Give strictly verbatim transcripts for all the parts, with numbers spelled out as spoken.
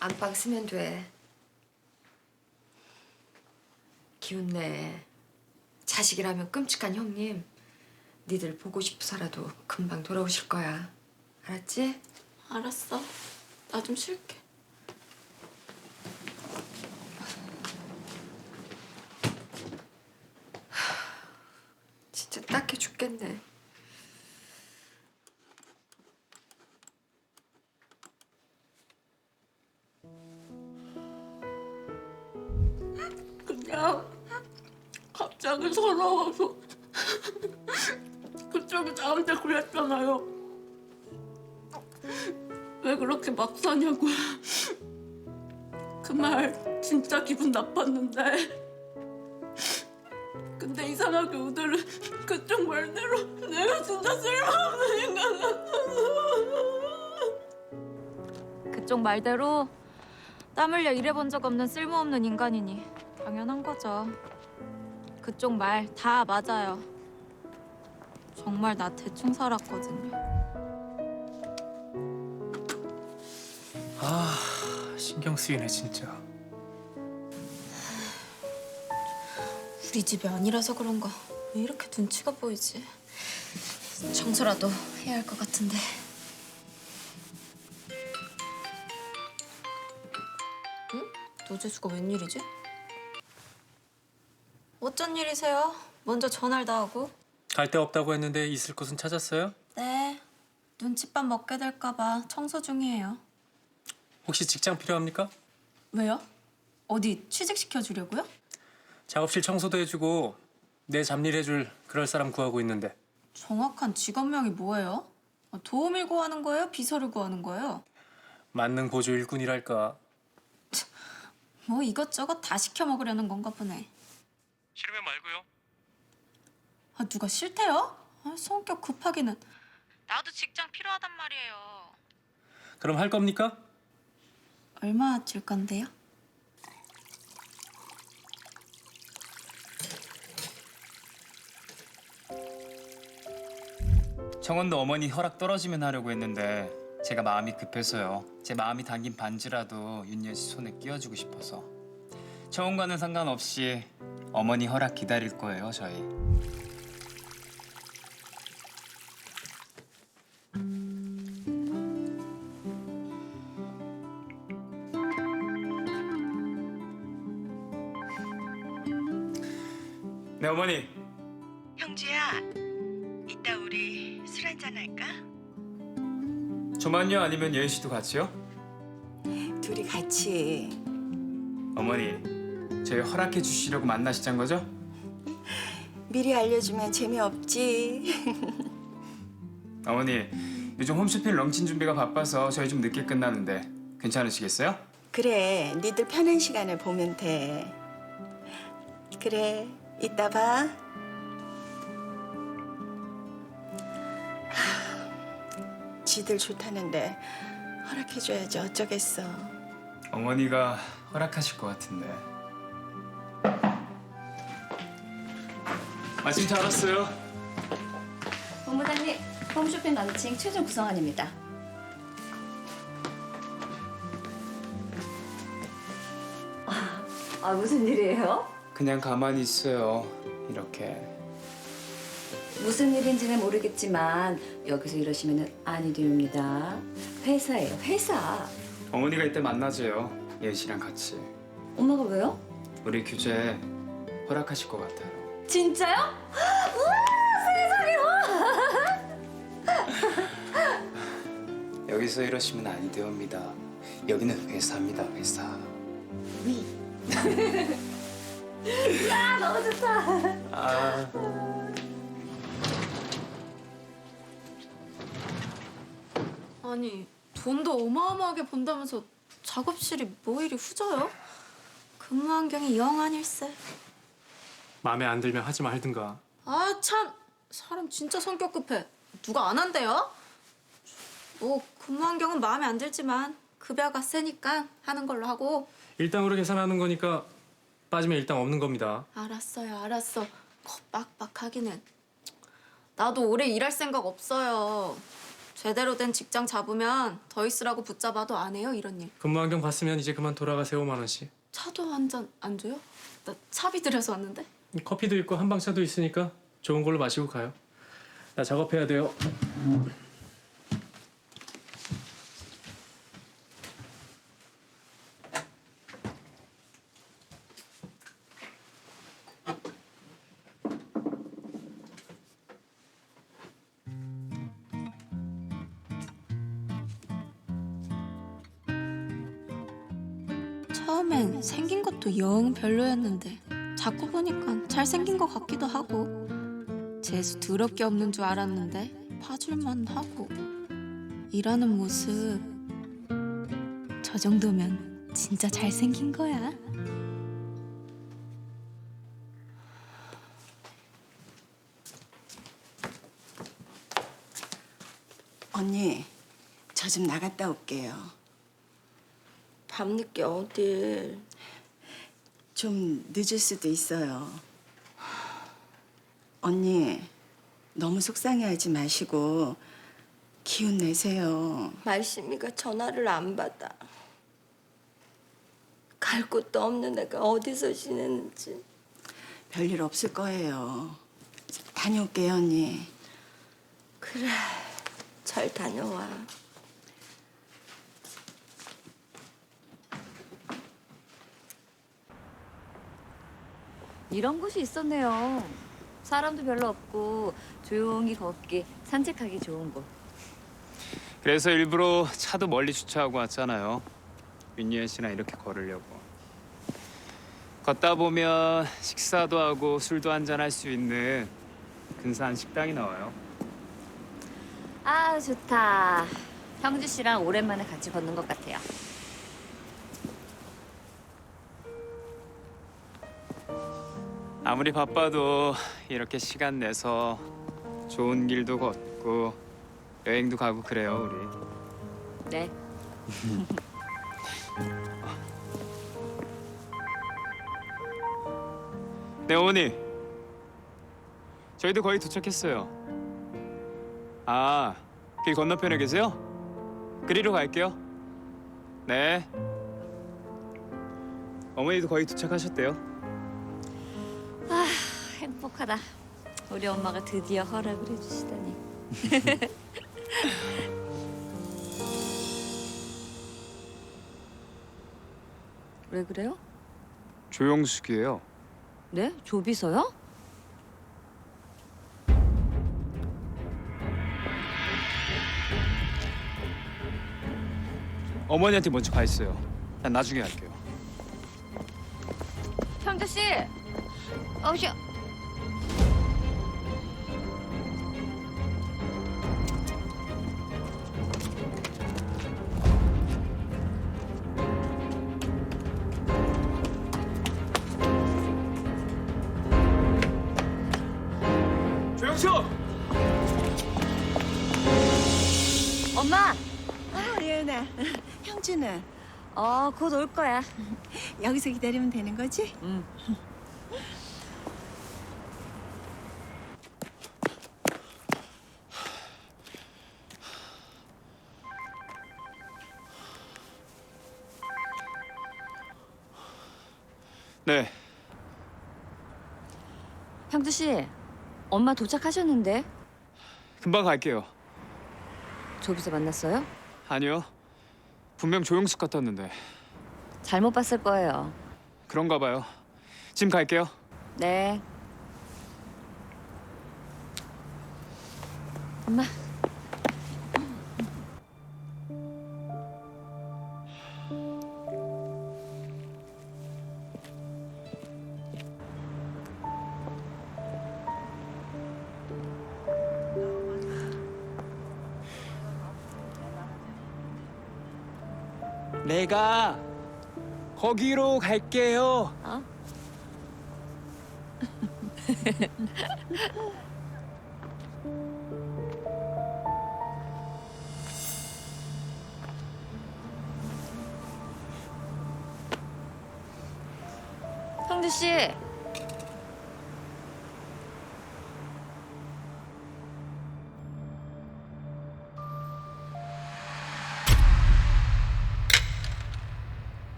안방 쓰면 돼. 기운내. 자식이라면 끔찍한 형님. 니들 보고 싶어서라도 금방 돌아오실 거야. 알았지? 알았어. 나 좀 쉴게. 진짜 딱해 죽겠네. 그냥 갑자기 서러워서 그쪽이 나한테 그랬잖아요. 왜 그렇게 막 사냐고요. 그 말 진짜 기분 나빴는데 근데 이상하게 오늘은 그쪽 말대로 내가 진짜 쓸모없는 인간 같아서. 그쪽 말대로 땀 흘려 일해본 적 없는 쓸모없는 인간이니 당연한 거죠. 그쪽 말 다 맞아요. 정말 나 대충 살았거든요. 아, 신경 쓰이네 진짜. 우리 집이 아니라서 그런가 왜 이렇게 눈치가 보이지? 청소라도 해야 할 것 같은데. 응? 노재수가 웬일이지? 어쩐 일이세요? 먼저 전화를 다 하고. 갈 데 없다고 했는데 있을 곳은 찾았어요? 네. 눈칫밥 먹게 될까 봐 청소 중이에요. 혹시 직장 필요합니까? 왜요? 어디 취직시켜주려고요? 작업실 청소도 해주고 내 잡일 해줄 그럴 사람 구하고 있는데. 정확한 직업명이 뭐예요? 도우미를 구하는 거예요? 비서를 구하는 거예요? 만능 보조 일꾼이랄까. 뭐 이것저것 다 시켜 먹으려는 건가 보네. 싫으면 말고요. 아, 누가 싫대요? 아, 성격 급하기는. 나도 직장 필요하단 말이에요. 그럼 할 겁니까? 얼마 줄 건데요? 청원도 어머니 허락 떨어지면 하려고 했는데 제가 마음이 급해서요. 제 마음이 담긴 반지라도 윤여 씨 손에 끼워주고 싶어서. 청원과는 상관없이 어머니 허락 기다릴 거예요, 저희. 네, 어머니. 형주야, 이따 우리 술 한잔 할까? 저만요? 아니면 예은 씨도 같이요? 둘이 같이. 어머니, 저희 허락해 주시려고 만나시잔 거죠? 미리 알려주면 재미없지. 어머니, 요즘 홈쇼핑 런칭 준비가 바빠서 저희 좀 늦게 끝나는데 괜찮으시겠어요? 그래, 니들 편한 시간을 보면 돼. 그래, 이따 봐. 하, 지들 좋다는데 허락해줘야지 어쩌겠어. 어머니가 허락하실 것 같은데. 마침 잘 왔어요. 본부장님, 홈쇼핑 런칭 최종 구성안입니다. 아, 무슨 일이에요? 그냥 가만히 있어요. 이렇게. 무슨 일인지는 모르겠지만 여기서 이러시면 아니 됩니다. 회사예요, 회사. 어머니가 이때 만나줘요. 예은 씨랑 같이. 엄마가 왜요? 우리 규제 허락하실 것 같아요. 진짜요? 우와, 세상에! 여기서 이러시면 아니 되옵니다. 여기는 회사입니다, 회사. 위. 야, 너무 좋다. 아. 아니 돈도 어마어마하게 번다면서 작업실이 뭐 이리 후져요? 근무 환경이 영 아닐세. 마음에 안 들면 하지 말든가. 아 참 사람 진짜 성격 급해. 누가 안 한대요? 뭐 근무 환경은 마음에 안 들지만 급여가 세니까 하는 걸로 하고. 일당으로 계산하는 거니까 빠지면 일당 없는 겁니다. 알았어요, 알았어. 거 빡빡하기는. 나도 오래 일할 생각 없어요. 제대로 된 직장 잡으면 더 있으라고 붙잡아도 안 해요, 이런 일. 근무 환경 봤으면 이제 그만 돌아가세요, 오만 원씩. 차도 한 잔 안 줘요? 나 차비 들여서 왔는데. 커피도 있고 한방차도 있으니까 좋은 걸로 마시고 가요. 나 작업해야 돼요. 처음엔 생긴 것도 영 별로였는데 자꾸 보니까 잘생긴 것 같기도 하고 재수 더럽게 없는 줄 알았는데 봐줄만 하고 일하는 모습 저 정도면 진짜 잘생긴 거야. 언니, 저 좀 나갔다 올게요. 밤늦게 어딜. 좀 늦을 수도 있어요. 언니, 너무 속상해하지 마시고 기운 내세요. 말씀이가 전화를 안 받아. 갈 곳도 없는 애가 어디서 지내는지. 별일 없을 거예요. 다녀올게요, 언니. 그래, 잘 다녀와. 이런 곳이 있었네요. 사람도 별로 없고 조용히 걷기, 산책하기 좋은 곳. 그래서 일부러 차도 멀리 주차하고 왔잖아요. 윤예은 씨랑 이렇게 걸으려고. 걷다 보면 식사도 하고 술도 한잔 할 수 있는 근사한 식당이 나와요. 아, 좋다. 형주 씨랑 오랜만에 같이 걷는 것 같아요. 아무리 바빠도 이렇게 시간 내서 좋은 길도 걷고 여행도 가고 그래요, 우리. 네. 네, 어머니. 저희도 거의 도착했어요. 아, 길 건너편에 계세요? 그리로 갈게요. 네. 어머니도 거의 도착하셨대요. 행복하다. 우리 엄마가 드디어 허락을 해주시다니. 왜 그래요? 조영숙이에요. 네? 조비서요? 어머니한테 먼저 가 있어요. 난 나중에 갈게요. 형주 씨, 어우야. 조영숙! 엄마. 아, 예은아. 형주는 어, 곧 올 거야. 여기서 기다리면 되는 거지? 응. 네. 형주 씨, 엄마 도착하셨는데 금방 갈게요. 조비서 만났어요? 아니요. 분명 조영숙 같았는데. 잘못 봤을 거예요. 그런가 봐요. 지금 갈게요. 네. 엄마. 내가 거기로 갈게요. 어? 형주 씨.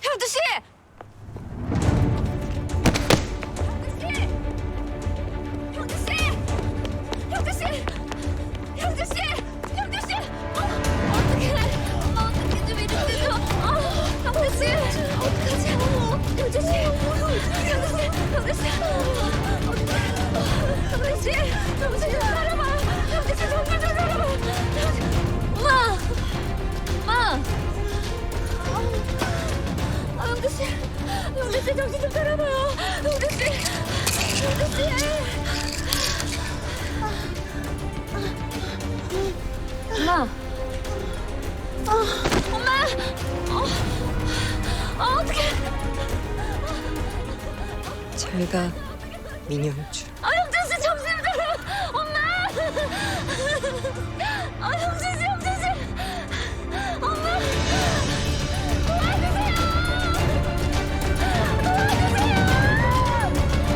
형주 씨! 형주 씨! 형주 씨! 형주 씨! 형주 씨! 어, 어떡해! 엄마 어떡해 좀 이리 좀. 어, 형주 씨! 어떡하지? 형주 씨! 형주 씨! 형주 씨! 어떡해! 형주 씨! 형주 씨 좀 살아봐! 형주 씨 정말 좀 살아봐! 엄마! 엄마! 아, 형주 씨! 형주 씨 정신 좀 차려봐요! 형주 씨! 형주 씨! 엄마! 엄마! 어, 어, 어떡해! 잘 가, 민영주. 아,